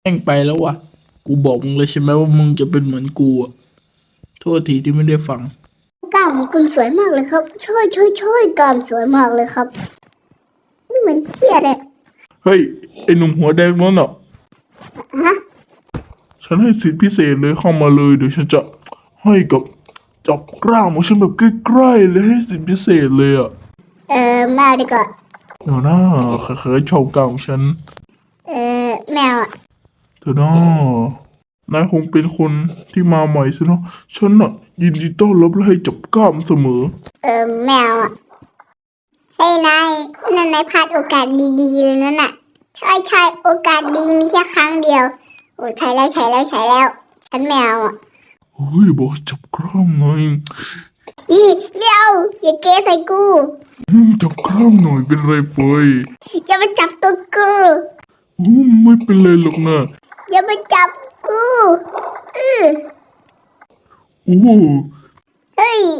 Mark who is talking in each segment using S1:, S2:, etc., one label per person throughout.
S1: แม่งไปแล้ววะกูบอกมึงเลยใช่ไหมว่ามึงจะเป็นเหมือนกูอะโทษทีที่ไม่ได้ฟัง
S2: กล้ามของคุณสวยมากเลยครับช่วยกล้ามสวยมากเลยครับไม่เหมือนเครียดเลย
S1: เฮ้ยไอ้หนุ่มหัวแดงนั่นอ่ะ
S2: ฮะ
S1: ฉันให้สิทธิพิเศษเลยเข้ามาเลยเดี๋ยวฉันจะให้กับจับกล้ามของฉันแบบใกล้ๆเลยให้สิทธิพิเศษเลยอ่ะ
S2: แมวดีกว่า
S1: เดี๋ยวนะเคยชอบกล้ามของฉัน
S2: แมวอ่ะ
S1: เดี๋ยวนะนายคงเป็นคนที่มาใหม่สินะฉันน่ะยินดีต้อนรับและให้จับกล้ามเสมอ
S2: แมวอ่ะเฮ้ยนายพลาดโอกาสดีๆเลยนั่นน่ะใช่โอกาสดีมีแค่ครั้งเดียวโอ้ใช่แล้วฉันแมวอ่ะ
S1: เฮ้ยบอกให้จับกล้ามหน่อย
S2: อีเดี๋ยวอย่าเกใส่กู
S1: จับกล้ามหน่อยเป็นไรไป
S2: จะมาจับตัวกู
S1: ไม่เป็นไรหรอกนะ
S2: อย่ามาจับกูอือ
S1: โอ้
S2: เฮ้ย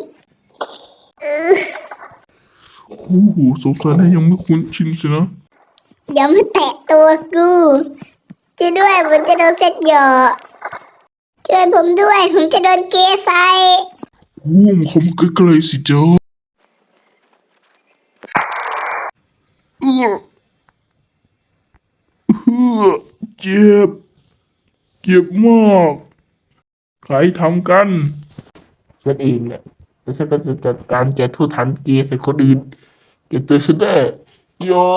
S1: โอ้โหสงสัยนายยังไม่คุ้นชินสินะ
S2: อย่ามาแตะตัวกูช่วยด้วยผมจะโดนเซ็ตหยอช่วยผมด้วยผมจะโดนเกใส่
S1: มันคมใกล้ๆสิจ้า
S2: เอี่ยว
S1: เจ็บเจ็บมากใครทำกันฉันเองแหละแล้วฉันก็จะจัดการแกทุทันเกใส่คนอื่นแกเจอฉันแน่ยอ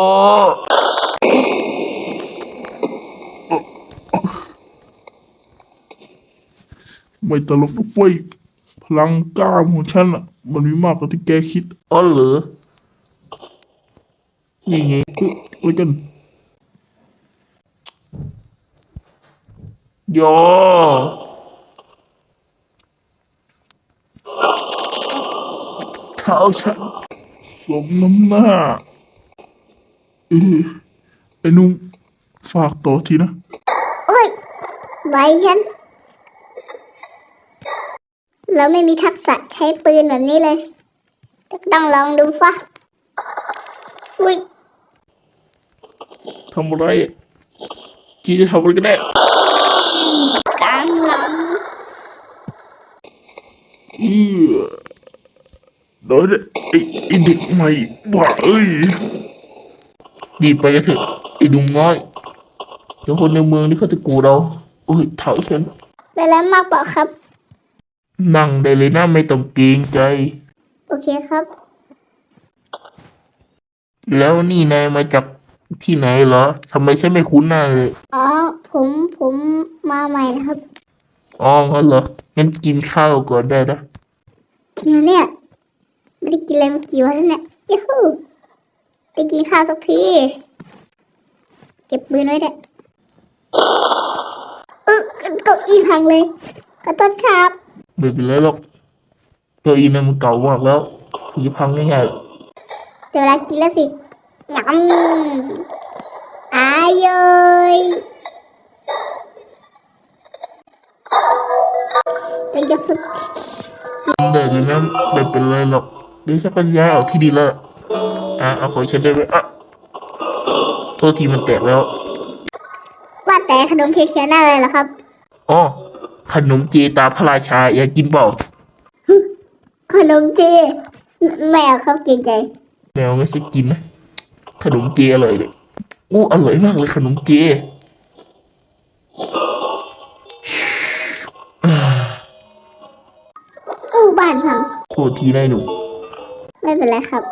S1: ไม่ตลกนะเฟ้ยพลังกล้ามของฉันอ่ะมันมีมากกว่าที่แกคิดอ๋อเหรอนี่ไงอะไรกันยอเท้าฉันสมน้ำหน้าเออไอ้นุ่มฝากต่อทีนะ
S2: โอ้ยไว้ฉันเราไม่มีทักษะใช้ปืนแบบนี้เลยต้องลองดูฟะอุ้ย
S1: ทำอะไรจีจะทำอะไรกันแน่
S2: กลางหลัง
S1: เออโดยไอ้เด็กใหม่บ้าเอ้ยดีไปกันเถอะไอ้ดุงน้อยเดี๋ยวคนในเมืองนี่เขาจะกูเราโอ้ยเท้าฉัน
S2: ไปแล้วมากเปล่าครับ
S1: นั่งได้เลยนะไม่ต้องเกรงใจ
S2: โอเคครับ
S1: แล้วนี่นายมาจากที่ไหนเหรอทำไมฉันไม่คุ้นหน้าเลย
S2: อ๋อผมมาใหม่นะครับ
S1: อ๋องั้นเหรองั้นกินข้าวก่อนได้นะ
S2: กินแล้วเนี่ยไม่ได้กินอะไรมากี่วันแล้วเนี่ยยูฮูไปกินข้าวสักทีเก็บปืนไว้เนี่ยเก้าอี้พังเลยขอโทษครับ
S1: ไม่เป็นไรหรอกเก้าอี้นั้นมันเก่ามากแล้วผีพังง่าย
S2: เดี๋ยวเวลากินแล้วสิงำอายยจะยกสุด
S1: ๆได้เลยนะไม่เป็นไรหรอกเดี๋ยวฉันก็ย้ายออกที่ดีแล้วเอาของฉันได้ไหมโทษทีมันแตกแล้ว
S2: ว่าแต่ขนมเค้กเชียร์หน้าอะไรเหรอครับ
S1: อ๋อขนมเจตาพระราชาอยากกินเปล่า
S2: ขนมเจแมวครับเกรงใจ
S1: แมวไม่ใช่กินนะขนมเจอร่อยเลยอร่อยมากเลยขนมเจ
S2: บ้านพัง
S1: โทษทีนายหนุ่ม
S2: ไม่เป็นไรครับ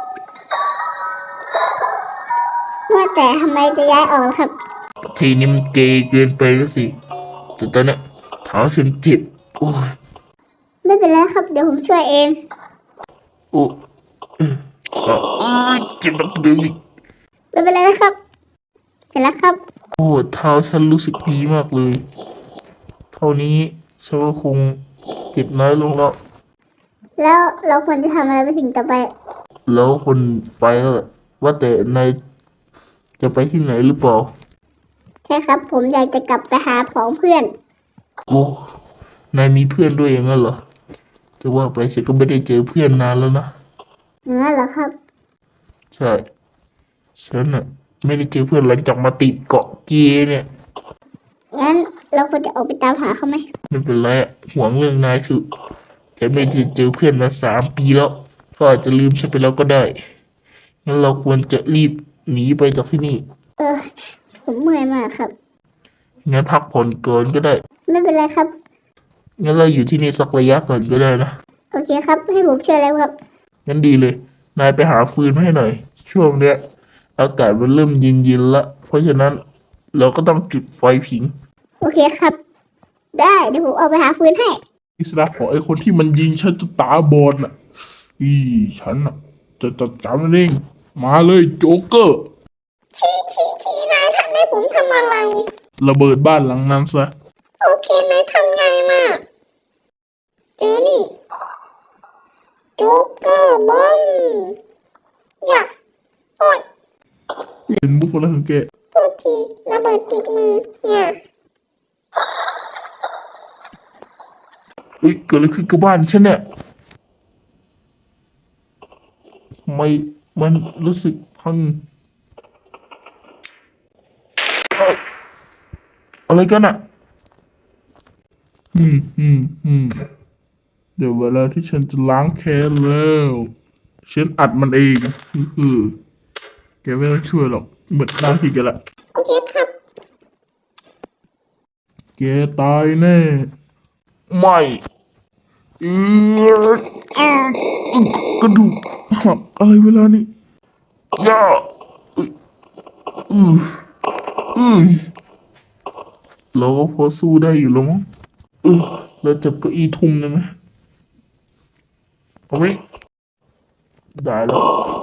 S2: ว่าแต่ทำไมจะย้ายออกครับ
S1: ทีนี้มันเกย์เกินไปแล้วสิแต่ตอนนี้เท้าฉันเจ็บโอ้ย
S2: ไม่เป็นไรครับเดี๋ยวผมช่วยเอง
S1: โอ้เจ็บนักเดิมอีก
S2: ไม่เป็นไรนะครับเสร็จแล้วครับ
S1: โอ้เท้าฉันรู้สึกดีมากเลยเท่านี้ฉันก็คงเจ็บน้อยลง
S2: แล้วเราควรจะทำอะไรไปถึงต่อไป
S1: แล้วคนไปแล้วว่าแต่นายจะไปที่ไหนหรือเปล่า
S2: ใช่ครับผมอยากจะกลับไปหาของเพื่อน
S1: โอ้นายมีเพื่อนด้วยอย่างนั้นเหรอจะว่าไปฉันก็ไม่ได้เจอเพื่อนนานแล้วนะ
S2: งั้นเหรอครับ
S1: ใช่ฉันน่ะไม่ได้เจอเพื่อนหลังจากมาติดเกาะเกเนี่ย
S2: งั้นเราควรจะออกไปตามหาเขาไหม
S1: ไม่เป็นไรอะห่วงเรื่องนายเถอะฉันไม่ได้เจอเพื่อนมา3 ปีแล้วก็อาจจะลืมฉันไปแล้วก็ได้งั้นเราควรจะรีบหนีไปจากที่นี่
S2: เออ ผมเมื่อยมากครับ
S1: งั้นพักผ่อนก่อนก็ได้
S2: ไม่เป็นไรครับ
S1: งั้นเราอยู่ที่นี่สักระยะก่อนก็ได้นะ
S2: โอเคครับ ให้ผมช่วยแล้วครับ
S1: งั้นดีเลย นายไปหาฟืนมาให้หน่อย ช่วงเนี้ยอากาศมันเริ่มเย็นๆละ เพราะฉะนั้นเราก็ต้องจุดไฟผิง
S2: โอเคครับ ได้เดี๋ยวผมเอาไปหาฟืนให้
S1: อิสระของไอ้คนที่มันยิงฉันจนตาบอดน่ะฉันน่ะจะจัดการมันเอง มาเลยโจ๊กเกอร์
S2: ชี้นายทำให้ผมทำอะไร
S1: ระเบิดบ้านหลังนั้นซะ
S2: โอเคนายทำไงมากเจอนี่โจ๊กเกอร์บอมอยากโอ๊ย
S1: เป็นมุกอะไรของแก
S2: โทษทีระเบิดติดมือเนี่ย
S1: เอ้ยเกิดอะไรขึ้นกับบ้านฉันเนี่ยทำไมมันรู้สึกพังเอ้ยอะไรกันอ่ะ เดี๋ยวเวลาที่ฉันจะล้างแค้นแล้ว ฉันอัดมันเองแกไม่ต้องช่วยหรอกหมดหน้าที่แกละ
S2: โอเคครับ
S1: แกตายแน่ ไม่เออ
S2: เออก
S1: ระดูกหักอะไรเวลานี้ย่าอืออือเราก็พอสู้ได้อยู่แล้วมั้งเราจับเก้าอี้ทุ่มได้ไหมเอาไหมได้แล้ว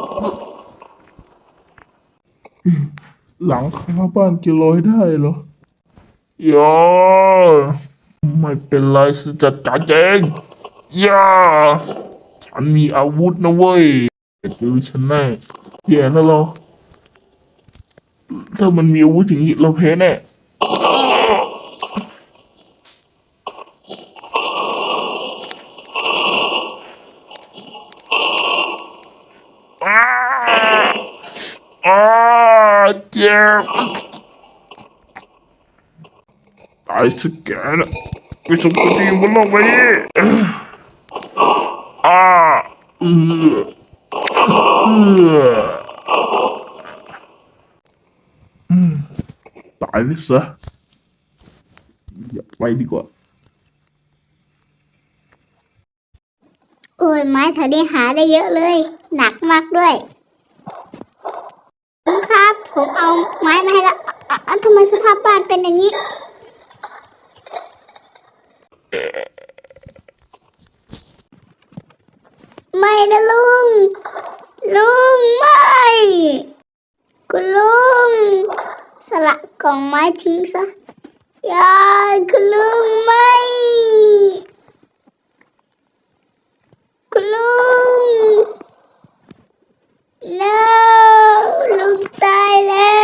S1: หลังคาบ้านแกลอยได้เหรอย่าไม่เป็นไรฉันจัดการเองย่าฉันมีอาวุธนะเว้ยดูฉันแน่แย่แล้วเราถ้ามันมีอาวุธอย่างนี้เราแพ้แน่อ้าอ้าเจ็บตายสักแกนะไม่สมควรที่อยู่บนโลกใบนี้อ่าเออเออตายเลยซะอย่าไปดีกว่า
S2: โอ้ยไม้แถวนี้หาได้เยอะเลย หนักมากด้วยครับ ผมเอาไม้มาให้ละทำไมสภาพบ้านเป็นอย่างนี้ ไม่นะลุง ลุงไม่ คุณลุง สละกล่องไม้ทิ้งซะอย่าคุณลุงไม่ คุณลุง no ลุงตายแล้ว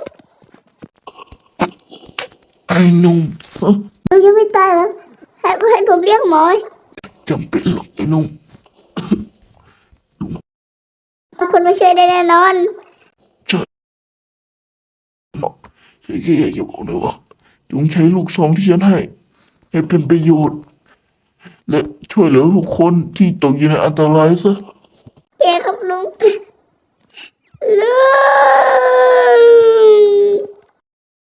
S1: ไอ้หนุ่ม
S2: ลุงยังไม่ตายแล้วให้ผมเรียกหมอ
S1: จำเป็นหรอกไอ้หนุ่ม
S2: คนมาช่วยได้แน่นอน
S1: บอกแค่อยากจะบอกเลยว่าจงใช้ลูกซองที่ฉันให้เป็นประโยชน์ และช่วยเหลือทุกคนที่ตกอยู่ในอันตรายซะ
S2: เย้ครับลุง ลุง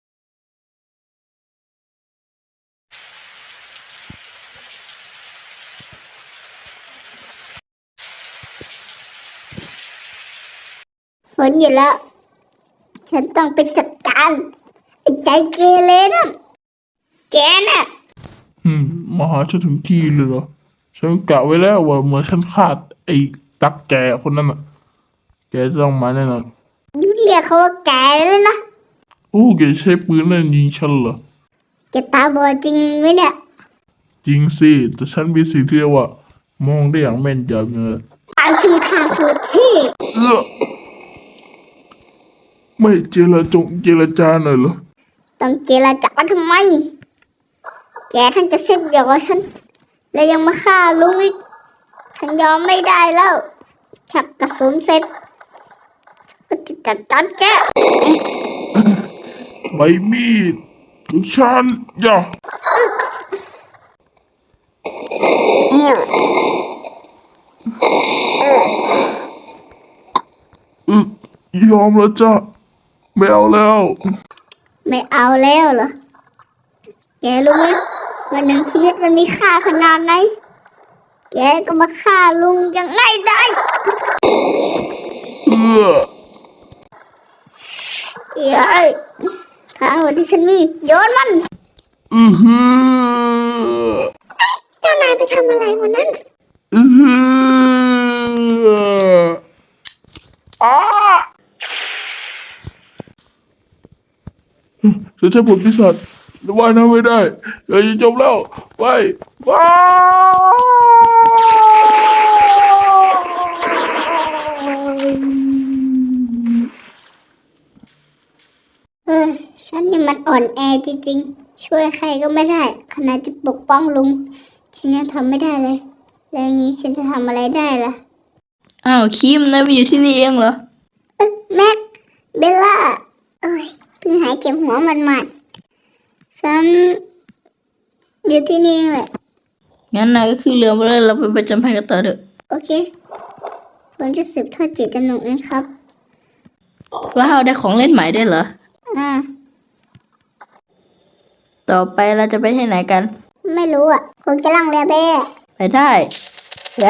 S2: ฝนอยู่แล้ว ฉันต้องไปจัดการไอ้ใจเกเรนั่นแกน่ะ
S1: มาหาฉันถึงที่เลยเหรอ ฉันกะไว้แล้วว่าเมื่อฉันฆ่าไอ้ตักแกคนนั้นอ่ะ แกจะต้องมาแน่นอน
S2: เรียกเขาว่าแกเลยนะ
S1: โอ้แกใช้ปืนเล่นยิงฉันเหรอ
S2: แกตาบอดจริงไหมเนี่ย
S1: จริงสิ แต่ฉันมีสิ่งที่เรียกว่ามองได้อย่างแม่นยำเลย
S2: อ่านชื่อข้าสุดที่
S1: เอื้อไม่เจรจาหน่อยเหรอ
S2: ต้องเจรจาทำไม แกทั้งจะเซ็ตเดียวกับฉัน และยังมาฆ่าลุงอีก ฉันยอมไม่ได้แล้วชักกระสุนเสร็จก็จะจัดการแก
S1: ใบมีดฉันอย่าเอื้ออึกยอมแล้วจ้ะไม่เอาแล้ว
S2: ไม่เอาแล้วเหรอ แกรู้ไหมวันหนึ่งชีวิตมันมีค่าขนาดไหน แกก็มาฆ่าลุงยังไงได้
S1: เอื้อ
S2: เอ้ยทางหัวที่ฉันมีโยนมัน
S1: อือหือ
S2: เจ้านายไปทำอะไรวันนั้นน่ะ
S1: อือหืออ้าฉันใช้ผลปีศาจว่ายน้ำไม่ได้เดี๋ยวจะจมแล้วไปว้า
S2: เออฉันนี่มันอ่อนแอจริงๆ ช่วยใครก็ไม่ได้ ขนาดจะปกป้องลุง ฉันยังทำไม่ได้เลย แล้วอย่างนี้ฉันจะทำอะไรได้ล่ะ
S3: อ้าวคิมนายมาอยู่ที่นี่เองเหรอ
S2: แม็ก เบลล่าเอ้ยเพิ่งหายเจ็บหัวหมัดๆฉันอยู่ที่นี่แหละ
S3: งั้นนายก็ขึ้นเรือมาแล้วเราไปประจำภัยกันต่อเถอะ
S2: โอเค ผมจะสืบทอดจิตจำนงเองครับ
S3: ว้าวได้ของเล่นใหม่ได้วยเหรอ
S2: อ่า
S3: ต่อไปเราจะไปที่ไหนกัน
S2: ไม่รู้อ่ะ คงจะล่องเรือไปอะ
S3: ไปได้เย้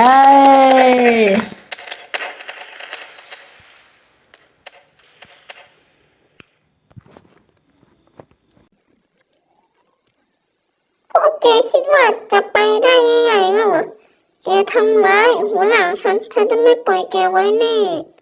S2: พวกแกคิดว่าจะไปได้ง่ายๆงั้นเหรอ แกทำร้ายหัวหน้าฉันจะไม่ปล่อยแกไว้แน่